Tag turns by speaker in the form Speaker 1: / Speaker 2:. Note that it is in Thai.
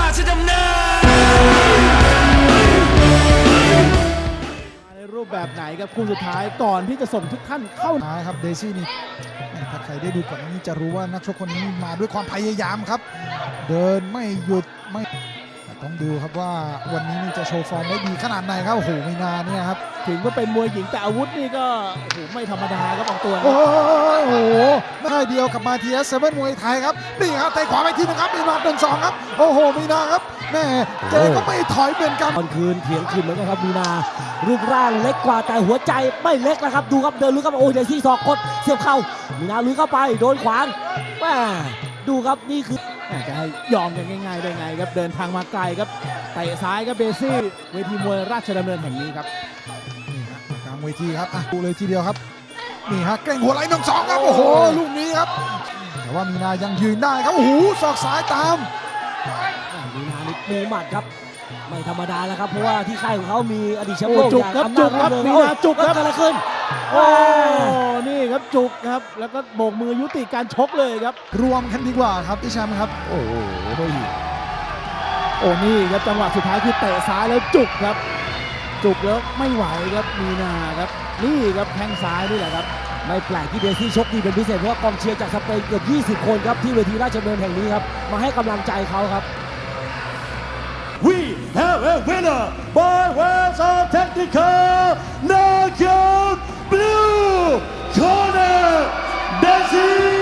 Speaker 1: ชดำเนิน
Speaker 2: ในรูปแบบไหนครับคู่สุดท้ายก่อนที่จะส่งทุกท่านเข้า
Speaker 3: ครับเดซี่นี่ถ้าใครได้ดูก่อนนี้จะรู้ว่านักชกคนนี้มาด้วยความพยายามครับ เดินไม่หยุดไม่ต้องดูครับว่าวันนี้นี่จะโชว์ฟอร์มได้ดีขนาดไหนครับโอ้โหมีนาเนี่ยครับ
Speaker 2: ถึงว่าเป็นมวยหญิงแต่อาวุธนี่ก็โอ้โหไม่ธรรมดาครับบางตัวนะ
Speaker 3: โอ้โหไม่เดียวกับมาเทียสเซเว่นมวยไทยครับนี่ครับเตะขวาไปทีนึงครับมีนา1-2ครับโอ้โหมีนาครับแม่เจก็ไม่ถอยเหมือนกัน
Speaker 4: ตอนคืนเถียงคืนเหมือนกันครับมีนารูปร่างเล็กกว่าแต่หัวใจไม่เล็กนะครับดูครับเดินลุยเข้าไปโอ้ยเดซี่ศอกกดเสียบเข่ามีนาลุยเข้าไปโดนขวางแม่ดูครับนี่คือ
Speaker 2: จะให้ยอมกันง่ายๆได้ไงครับเดินทางมาไกลครับเตะซ้ายครับเบซี่เวทีมวยราชดำเนินแห่งนี้ครับ
Speaker 3: นี่ฮะกลางเวทีครับดูเลยทีเดียวครับนี่ฮะเกรงหัวไหล่1-2ครับโอ้โหลูกนี้ครับแต่ว่ามีนายังยืนได้ครับโอ้โหศอกซ้ายตาม
Speaker 4: มีนานี่มีหมัดครับไม่ธรรมดาแล้วครับเพราะว่าที่ค่ายของเขามีอดีตแชมป์โลก
Speaker 2: จุกครับจุกครับมีนาจุกครับ
Speaker 4: เกิดอะไรขึ้น
Speaker 2: โอ้นี่ครับจุกครับแล้วก็โบกมือยุติการชกเลยครับ
Speaker 3: รวมกันดีกว่าครับพี่แชมป์ครับ
Speaker 2: โอ้โหโอ้นี่ครับจังหวะสุดท้ายคือเตะซ้ายแล้วจุกครับจุกแล้วไม่ไหวครับมีนาครับนี่ครับแข้งซ้ายนี่แหละครับ
Speaker 4: ไม่แปลกที่เดซี่ชกดีเป็นพิเศษเพราะว่ากองเชียร์จากสเปนเกือบ20 คนครับที่เวทีราชดำเนินแห่งนี้ครับมาให้กำลังใจเขาครับ
Speaker 5: We have a winner by ways of technical knockout blue corner Desi